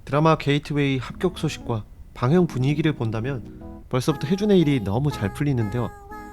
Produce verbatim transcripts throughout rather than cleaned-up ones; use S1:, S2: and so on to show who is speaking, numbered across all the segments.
S1: 드라마 게이트웨이 합격 소식과 방영 분위기를 본다면 벌써부터 혜준의 일이 너무 잘 풀리는데요.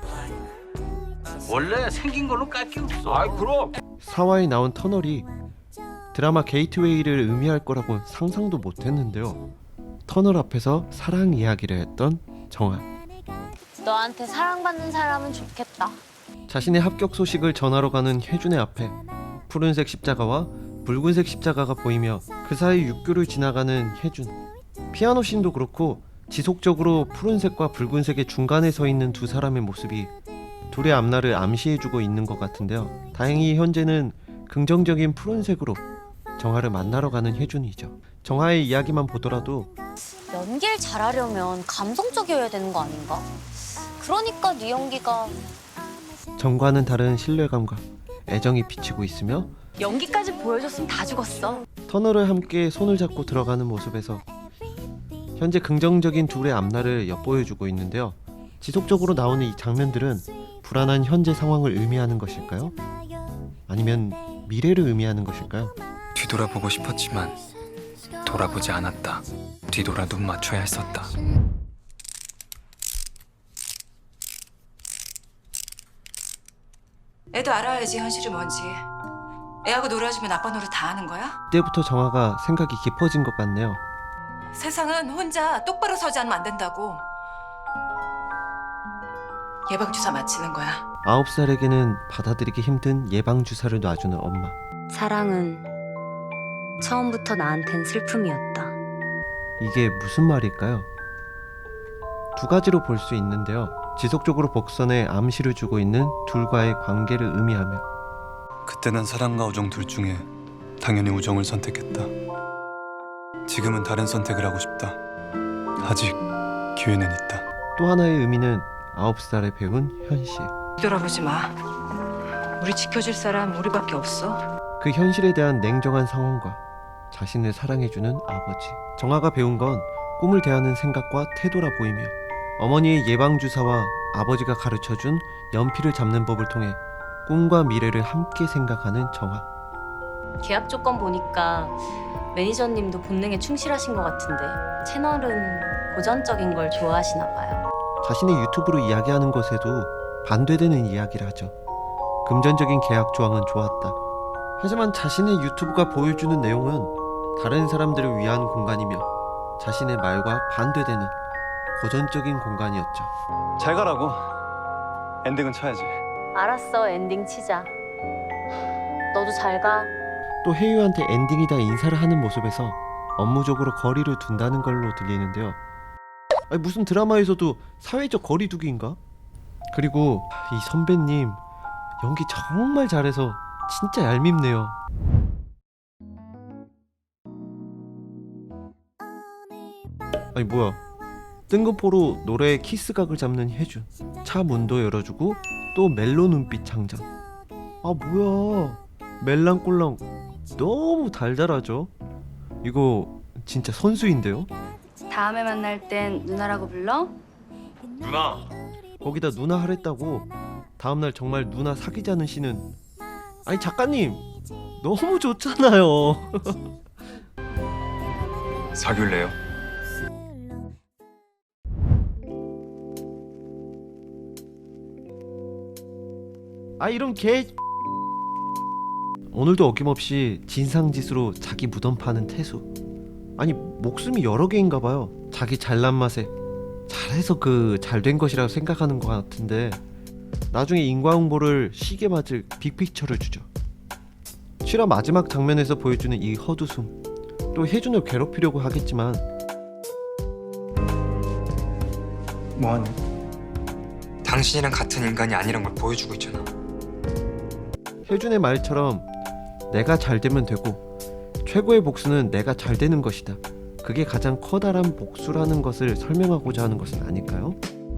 S2: 원래 생긴 걸로 깔 게 없어.
S3: 아이 그럼.
S1: 사화에 나온 터널이 드라마 게이트웨이를 의미할 거라고 상상도 못했는데요. 터널 앞에서 사랑 이야기를 했던 정아.
S4: 너한테 사랑받는 사람은 좋겠다.
S1: 자신의 합격 소식을 전하러 가는 혜준의 앞에 푸른색 십자가와 붉은색 십자가가 보이며 그 사이 육교를 지나가는 혜준. 피아노 씬도 그렇고 지속적으로 푸른색과 붉은색의 중간에 서 있는 두 사람의 모습이 둘의 앞날을 암시해주고 있는 것 같은데요. 다행히 현재는 긍정적인 푸른색으로 정아를 만나러 가는 혜준이죠. 정아의 이야기만 보더라도
S4: 연기를 잘하려면 감성적이어야 되는 거 아닌가? 그러니까 네 연기가
S1: 전과는 다른 신뢰감과 애정이 비치고 있으며
S4: 연기까지 보여줬으면 다 죽었어.
S1: 터널을 함께 손을 잡고 들어가는 모습에서 현재 긍정적인 둘의 앞날을 엿보여주고 있는데요. 지속적으로 나오는 이 장면들은 불안한 현재 상황을 의미하는 것일까요? 아니면 미래를 의미하는 것일까요?
S5: 뒤돌아보고 싶었지만 돌아보지 않았다. 뒤돌아 눈 맞춰야 했었다.
S6: 애도 알아야지 현실이 뭔지. 애하고 놀아주면 아빠 노릇 다 하는 거야?
S1: 이때부터 정아가 생각이 깊어진 것 같네요.
S6: 세상은 혼자 똑바로 서지 않으면 안 된다고. 예방주사 맞히는 거야.
S1: 아홉 살에게는 받아들이기 힘든 예방주사를 놔주는 엄마.
S4: 사랑은 처음부터 나한텐 슬픔이었다.
S1: 이게 무슨 말일까요? 두 가지로 볼 수 있는데요. 지속적으로 복선에 암시를 주고 있는 둘과의 관계를 의미하며
S5: 그때 난 사랑과 우정 둘 중에 당연히 우정을 선택했다. 지금은 다른 선택을 하고 싶다. 아직 기회는 있다.
S1: 또 하나의 의미는 아홉 살에 배운 현실.
S6: 뒤돌아보지 마. 우리 지켜줄 사람 우리밖에 없어.
S1: 그 현실에 대한 냉정한 상황과 자신을 사랑해주는 아버지. 정아가 배운 건 꿈을 대하는 생각과 태도라 보이며 어머니의 예방주사와 아버지가 가르쳐준 연필을 잡는 법을 통해 꿈과 미래를 함께 생각하는 정아.
S4: 계약 조건 보니까 매니저님도 본능에 충실하신 것 같은데 채널은 고전적인 걸 좋아하시나 봐요.
S1: 자신의 유튜브로 이야기하는 것에도 반대되는 이야기를 하죠. 금전적인 계약 조항은 좋았다. 하지만 자신의 유튜브가 보여주는 내용은 다른 사람들을 위한 공간이며 자신의 말과 반대되는 고전적인 공간이었죠.
S5: 잘 가라고. 엔딩은 쳐야지.
S4: 알았어, 엔딩 치자. 너도 잘 가.
S1: 또 혜유한테 엔딩이다 인사를 하는 모습에서 업무적으로 거리를 둔다는 걸로 들리는데요. 아니, 무슨 드라마에서도 사회적 거리두기인가? 그리고 이 선배님 연기 정말 잘해서 진짜 얄밉네요. 아니 뭐야, 뜬금포로 노래의 키스각을 잡는 혜준. 차 문도 열어주고 또 멜로 눈빛 장전. 아 뭐야, 멜랑꼴랑 너무 달달하죠. 이거 진짜 선수인데요.
S4: 다음에 만날 땐 누나라고 불러?
S3: 누나.
S1: 거기다 누나 하랬다고 다음날 정말 누나 사귀자는 씨는, 아니 작가님 너무 좋잖아요.
S5: 사귈래요?
S1: 아 이런 개. 오늘도 어김없이 진상짓으로 자기 무덤 파는 태수. 아니 목숨이 여러 개인가봐요. 자기 잘난 맛에 잘해서 그 잘된 것이라고 생각하는 것 같은데 나중에 인과응보를 시게 맞을 빅픽처를 주죠. 실화 마지막 장면에서 보여주는 이 헛웃음, 또 혜준을 괴롭히려고 하겠지만
S5: 뭐하니? 당신이랑 같은 인간이 아니란 걸 보여주고 있잖아.
S1: 혜준의 말처럼 내가 잘 되면 되고 최고의 복수는 내가 잘 되는 것이다. 그게 가장 커다란 복수라는 것을 설명하고자 하는 것은 아닐까요?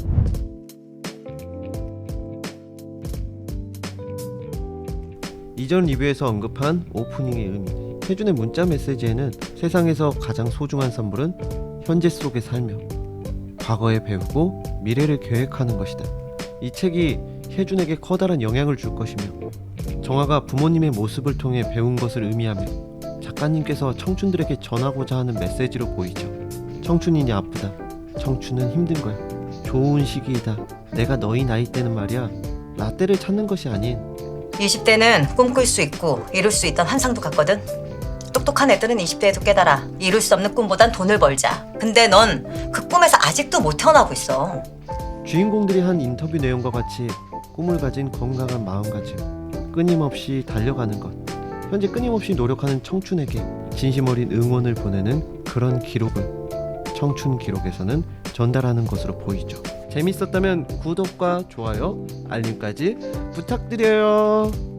S1: 이전 리뷰에서 언급한 오프닝의 의미. 혜준의 문자 메시지에는 세상에서 가장 소중한 선물은 현재 속에 살며 과거에 배우고 미래를 계획하는 것이다. 이 책이 혜준에게 커다란 영향을 줄 것이며 정아가 부모님의 모습을 통해 배운 것을 의미하며 작가님께서 청춘들에게 전하고자 하는 메시지로 보이죠. 청춘이니 아프다. 청춘은 힘든 거야. 좋은 시기이다. 내가 너희 나이 때는 말이야. 라떼를 찾는 것이 아닌
S3: 이십 대는 꿈꿀 수 있고 이룰 수 있던 환상도 같거든. 똑똑한 애들은 이십 대에도 깨달아. 이룰 수 없는 꿈보단 돈을 벌자. 근데 넌 그 꿈에서 아직도 못 태어나고 있어.
S1: 주인공들이 한 인터뷰 내용과 같이 꿈을 가진 건강한 마음가짐, 끊임없이 달려가는 것, 현재 끊임없이 노력하는 청춘에게 진심 어린 응원을 보내는 그런 기록을 청춘 기록에서는 전달하는 것으로 보이죠. 재밌었다면 구독과 좋아요, 알림까지 부탁드려요.